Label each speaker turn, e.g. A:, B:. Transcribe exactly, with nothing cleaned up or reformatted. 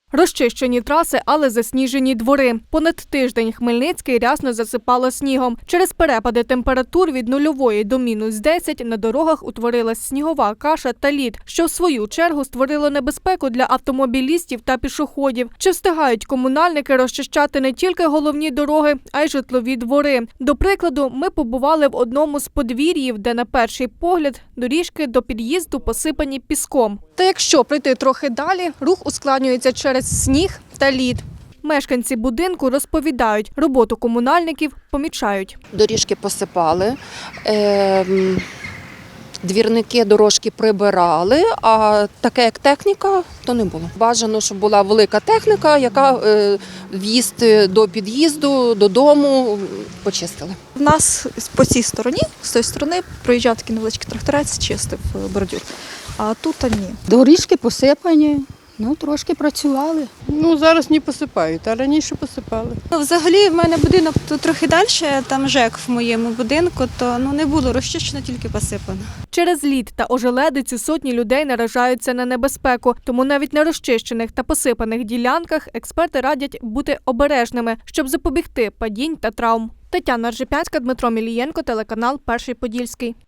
A: Розчищені траси, але засніжені двори. Понад тиждень Хмельницький рясно засипало снігом. Через перепади температур від нульової до мінус десять на дорогах утворилась снігова каша та лід, що в свою чергу створило небезпеку для автомобілістів та пішоходів. Чи встигають комунальники розчищати не тільки головні дороги, а й житлові двори? До прикладу, ми побували в одному з подвір'їв, де на перший погляд доріжки до під'їзду посипані піском. Та якщо пройти трохи далі, рух ускладнюється через сніг та лід. Мешканці будинку розповідають, роботу комунальників помічають.
B: Доріжки посипали, е, двірники дорожки прибирали, а таке як техніка, то не було. Бажано, щоб була велика техніка, яка е, в'їзд до під'їзду, додому почистили.
C: У нас по цій стороні, з тої сторони, проїжджав такий невеличкий тракторець, чистив бордюр, а тут а ні.
D: Доріжки посипані, ну трошки працювали.
E: Ну, зараз не посипають, а раніше посипали.
F: Ну, взагалі, в мене будинок тут трохи далі, там ЖЕК в моєму будинку, то ну, не було розчищено, тільки посипано.
A: Через лід та ожеледицю сотні людей наражаються на небезпеку. Тому навіть на розчищених та посипаних ділянках експерти радять бути обережними, щоб запобігти падінь та травм. Тетяна Ржепянська, Дмитро Мілієнко, телеканал «Перший Подільський».